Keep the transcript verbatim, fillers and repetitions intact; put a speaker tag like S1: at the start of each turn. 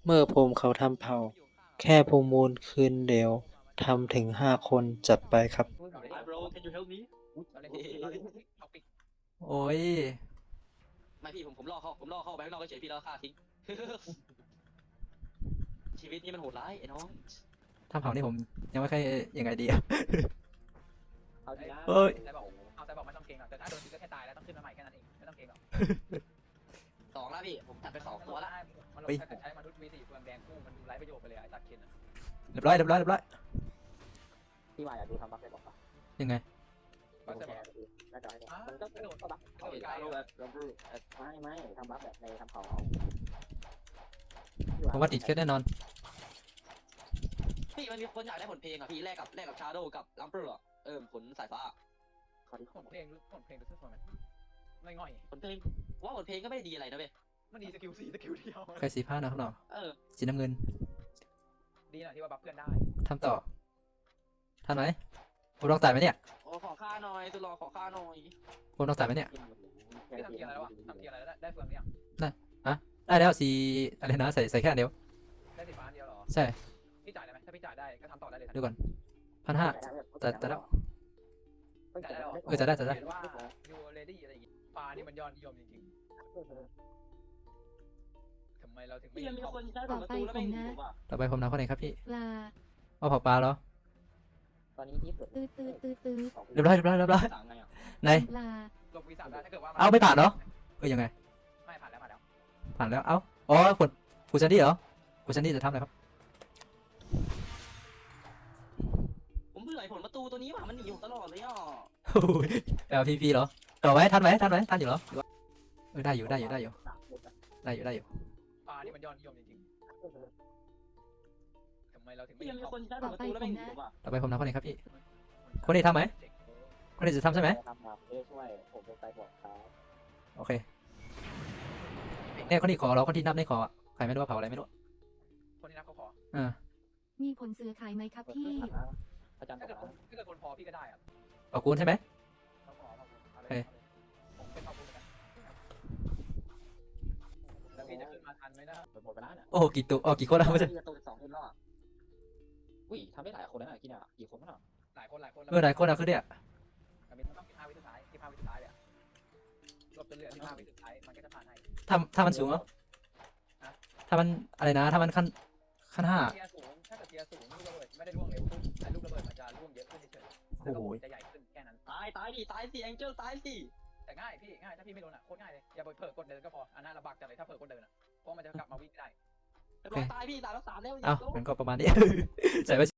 S1: เมื่อภูมิเขาทำเผ่า แค่ภูมิมูลคืนเดียวทำถึงห้าคนจัดไปครับ
S2: Hi bro can you help me
S3: โอ้ย
S2: ไม่พี่ผมผมล่อเข้าผมล่อเข้าไปข้างนอกเฉยพี่แล้วฆ่าทิ้ง ชีวิตนี้มันโหดร้ายไอ้น้อง
S3: ทำเผานี่ผมยังไม่ค่อยยังไงดีอะ
S4: เอาทีละ
S3: เฮ้ย
S5: ไซบอกเอาไซบอกไม่ต้องเก่งหรอกแต่ถ้าโดนยิงก็แค่ตายแล้วต้องขึ้นมาใหม่แค่นั้นเองไม่ต้องเก่งหรอก
S2: สองแล้วพี่ผมจัดไปสองตัวละ
S5: มันถ้าเกิดใช้มนุษย์มีสี่เฟืองแดงคู่มันดูไร้ประโยชน์ไปเลยไอ้ตัดเคนอะ
S3: เรียบร้อยเรียบร้อยเรียบร้อย
S4: พี่วายอยากดูทำบัฟได้บอกป่ะ
S3: ยังไง
S4: ผมแชร์ดูหน้าจอให้ดูมันก็กระโดดก็บัฟเข้าไปไกลแบบไม่ไม่ทำบัฟแบบในทำเขาเอา
S3: ผมว่าติดเคสแน่นอน
S2: พี่มันมีคนอยากได้ผลเพลงอ่ะพี่แลกกับแลกกับชาโดกับลัมเปอร์เออผลสายฟ้า
S4: ขอที่
S5: ผลเพลงผลเพลงดูซื่อๆมันไม่ง่อย
S2: ผลเพลงว่าผลเพลงก็ไม่ได้ดีอะไรนะเว้ย
S5: มันดีสกิลสี่สกิลเดียว
S3: ใครสีผ้านะข้างนอก
S2: เออ
S3: สีน้ำเงิน
S5: ดีหน่อยที่ว่าบัฟเพื่อนได้
S3: ทำต่อทันไหมผมต้องจ่ายไหมเนี่ย
S2: โอ้ขอค่าหน่อยตุลอขอค่าหน่อย
S3: ผมต้องจ่ายไหมเนี่ย
S5: พี่ทำเกียร์อะไรแล้ววะทำเกียร์อะไรแล้วได้เฟืองหรือยัง
S3: ได้แล้วสีอะไรนะใส่ใส่แค่อันเดียว
S5: ได้สีฟ้าเดียวหรอ
S3: ใช่
S5: พี่จ่ายได้ไหมถ้าพี่จ่ายได้ก็ทำต่อได้เลย
S3: ดูก่อนพันห้าแต่แต่แล้ว
S5: จ่ายได้หรอ
S3: เออจ่ายได้จ่ายได้
S5: เห็นว่ายูเรดี้อะไรอย่างงี้ปลานี่มันยอดนิยมจริงๆทำไมเราถึงไม่
S2: พี่ยังมี
S5: ชอบ
S2: คนใช้ผลประตูแล้วไม่เห็นผมอ่ะ
S3: ต่อไปผมนำข้อไหนครับพี่
S6: ปลา
S3: เอาเผาปลาเหรอ
S4: ตอนนี้ที่สุด
S6: ตื้อตื้อตื้อตื้อ
S3: เรียบร้อยเรียบร้อยเรียบร้อย
S2: ต่างไงอ่ะ
S3: ไหน
S6: ปลา
S5: ลบวีซ่าได้ถ้าเกิดว่า
S3: เอาไม่ผ่านเหรอ เอ้ยยังไง
S5: ไม่ผ่านแล้วผ่านแล้ว
S3: ผ่านแล้ว เอ้า อ๋อคุณคุณซันดี้เหรอคุณซันดี้จะทำอะไรครับ
S2: ผมเบื่อไอ้ผลประตูตัวนี้ว่ะมันหนีผมตลอดเลยอ่ะ
S3: แอลพีพีเหรอต่อไหมทันไหมทันไหมทันอยู่เหรอเออได้อยู่ได้อยู่ได้อยู่ได้อยู่ได้อยู่
S5: ปลานี่มันยอดนิยมจริงๆทำไมเราถึงไม่
S2: พี่ยังมี
S5: ชอบ
S2: คนใช้ผลประตูแล้วไม่เห็นผมอ่ะ
S3: ต่อไปผมนำข้อไหนครับพี่ คนนี้ทำไหม คนนี้จะทำใช่ไหม
S4: ทำบัฟเอ้ช่วยผมเป็นไซบอร์ดครับ
S3: โอเคเนี่ยคนนี้ขอเราคนที่นับในขออะใครไม่รู้ว่าเผาอะไรไม่รู้
S5: คนที่นับเขาขอ
S3: อ่า
S6: มีผลเสือขายไหมครับพี่
S4: อาจารย์บ
S5: ถ้า
S4: อก
S5: เกิด
S4: ว่า
S5: ถ้าเกิดคนพอพี่ก็ได้อะ
S3: เอากูนใช่ไหม
S5: เขาขอมาเอาเล
S3: เฮ้
S5: ย
S3: ย
S5: ผมเป็นขอบคุณกันแล้วพี่จะขึ้นมาทันไหมนะ
S4: หมดไปแล้วเนี่ย
S3: โอ้กี่ตัวอ๋อกี่คนแล้วไม่ใช่
S4: ประตูสองคนแล้วอ่ะอุ้ยทำได้หลายคนแล้วนะกี่เนี่ยกี่คนแล้ว
S5: หลายคนหลายคน
S3: เออหลายคนอะคือเนี่ย
S5: แต่มีต้องสิบห้าวิสุดท้ายสิบห้าวิสุดท้ายเลยอะรวบจนเหลือสิบห้าวิสุดท้ายมันก็จะผ่านให้
S3: ถ้าถ้ามันสูงเหรอถ้ามันอะไรนะ ถ้ามันขั้นขั้นห้า
S5: เทียร์สูงถ้าเกิดเทียร์สูงลูกระเบิดไม่ได้ร่วงเร็วขึ้นแต่ลูกระเบิดมันจะร่วงเยอะขึ้นเฉยๆแล้วก็จะใหญ่ขึ้นแค่นั้น
S2: ตายตายดิตายสิแองเจิลตายสิ
S5: แต่ง่ายพี่ง่ายถ้าพี่ไม่โดนอ่ะโคตรง่ายเลยอย่าไปเผลอกดเดินก็พออันนั้นลำบากจังเลยถ้าเผลอกดเดินอ่ะเพราะมันจะกลับมาวิ่งได้
S2: เรียบร้อยตายพี่ตายแล้วสามแล้ว
S3: เอ้ามันก็ประมาณนี้ ใส่ไว้